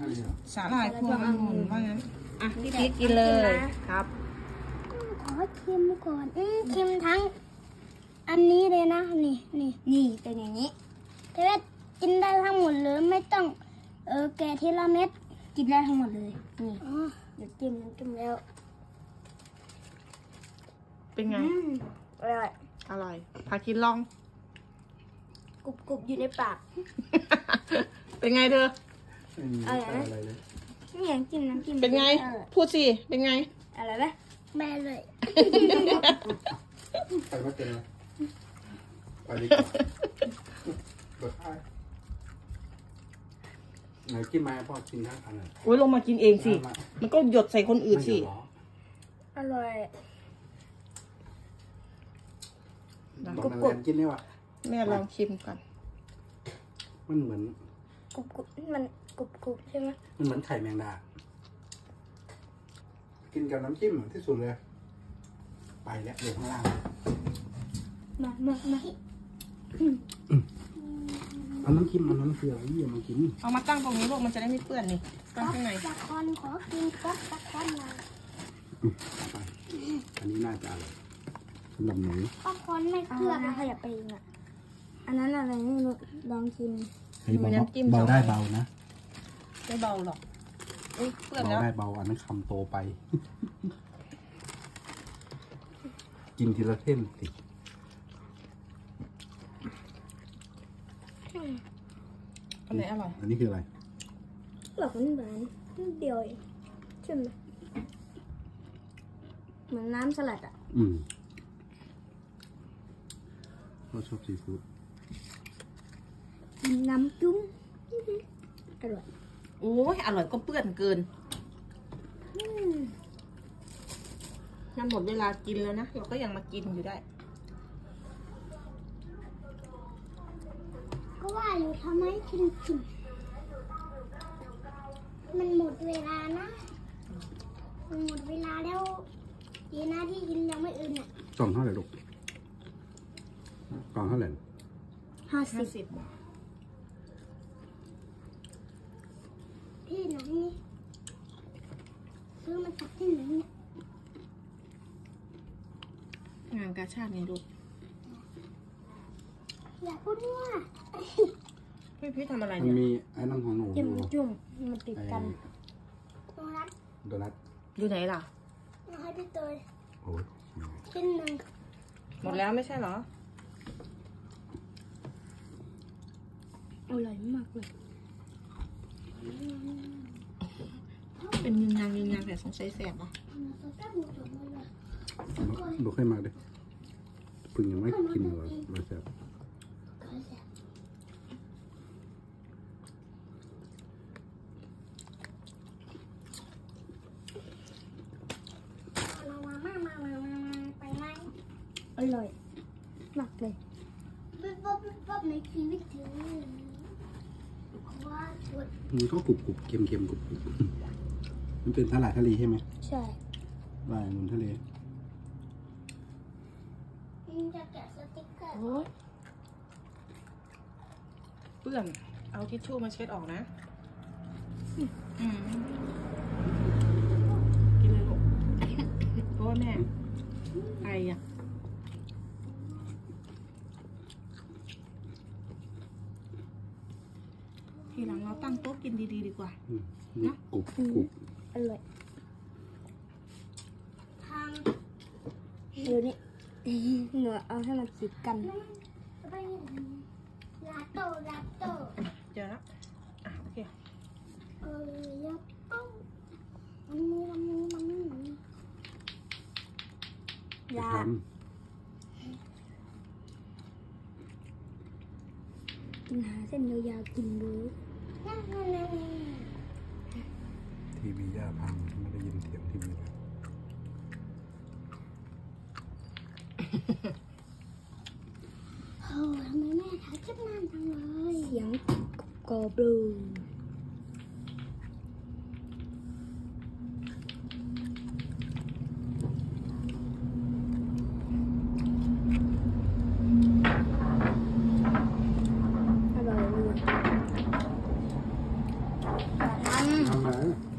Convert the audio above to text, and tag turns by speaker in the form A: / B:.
A: สาหร่ายพวงองุ่นว่างั้นอ่ะพี่ติ๊กกินเลยครับ
B: ขอชิมก่อนชิมทั้งอันนี้เลยนะนี่เป็นอย่างนี้แต่ว่ากินได้ทั้งหมดเลยไม่ต้องแกะทีละเม็ดกินได้ทั้งหมดเลยนี่เดี๋ยวจิ้มแล้ว
A: เป็นไง
B: อร่อย
A: พากินลอง
B: กรุบอยู่ในปาก
A: เป็นไงเธอ
B: อะไรเลยนี่ยังจิ้มน้ำจิ้ม
A: เป็นไงพูดสิเป็นไง
B: อะไรไหมแม่เลย
C: ไปไม่เป็นเลยไปดีกว่าเปิดท้ายไหนกินมาพ่อกินทั้งอันเลย
A: โอ้ยลงมากินเองสิมันก็หยดใส่คนอื่นสิ
B: อร่อย
C: กรุบกินได้ว่ะ
A: แม่ลองชิมก่อน
C: มันเหมือน
B: กรุบมันกรุบใช่ไหม
C: มันเหมือนไข่แมงดากินกับน้ำจิ้มที่สุดเลยไปแล้วเดี๋ยวข้างล่าง
B: มา
C: เอาน้ำจิ้มมันน้ำเกลือไอ้เหี้ยมากิน
A: เอามาตั้งตรงนี้ลูกมันจะได้ไม่เปื้อนนี่ตั้งข้างใน
B: ตะคอนขอกินป๊อกตะคอนหน่อย
C: อันนี้น่าจะอร่อยสำหรับหนู
B: ตะคอนไม่เกลือนะขยับไปเองอ่ะอันนั้นอะไรนี่ลองกิน
C: เบาได้เบานะ
A: ไม่เบาหรอกเปื้อนแล้ว
C: เบาได้เบาอันนั้นคำโตไปกินทีละเท่นสิ
A: อันไหนอร่อย
C: อันนี้คืออะไร
B: หลอกมันหวานเดียวเองใช่ไหมเหมือนน้ำสลัดอ่ะ
C: เราชอบซีฟู้ด
B: น้ำจุ้งอร่อย
A: โอ้ยอร่อยก็เปื้อนเกินน่าหมดเวลากินแล้วนะเราก็ยังมากินอยู่ได้
B: ก็ว่าอยู่ทำไมกินมันหมดเวลานะมันหมดเวลาแล้วยีน่าที่กินยังไม่อื่นอ่ะ
C: กล่องเท่าไหร่ลูกกล่องเท่าไหร่
A: 50
B: ที่ไหนนี่ซื้อมาจากที่ไหนเนี่ย
A: งานกาชาดไงลูก
B: อยากพูดว่า
A: พี่ทำอะไร
C: เนี่ย
A: มัน
C: มีไอ้น้ำของหนู
B: จุ่มมันติดกันโ
C: ดนัท
A: อยู่ไหนล่ะ
B: ให้พี่เตย
C: โอ้ย
B: ชิ้นหนึ่ง
A: หมดแล้วไม่ใช่เหรอ
B: อร่อยมากเลย
A: เป็นยืนยันแต่สงสัยแสบอ่ะ
C: ดูให้มาดิพึ่งยังไม่กินเลยมาแสบ
B: อร่อยมากเลยป๊บในชีวิตเธอ
C: มันก็กรุบเค็มกรุบมันเป็นสาหร่ายทะเลใช่ไหม
B: ใช่
C: สาหร่ายองุ่นทะเล
B: จะแกะสติ๊กเกอร์
A: เปื้อนเอาทิชชู่มาเช็ดออกนะกินเลยลูกเพราะว่าแม่ไออ่ะทีหลังเราตั้งโต๊ะกินดีๆดีกว่า
C: นะกรุบ
B: อร่อยเดี๋ยวนี้หนูเอาให้มันติดกันลาโต้
A: เจอแล้วโอเค
B: ลาโต้ยาหาเส้นยาวๆกินดู
C: ทีวีย่าพังไม่ได้ยินเสียงทีวีเลย
B: โอ้ทำไมแม่ถ่ายคลิปนานจังเลยเสียงกรอบดู
C: Nej.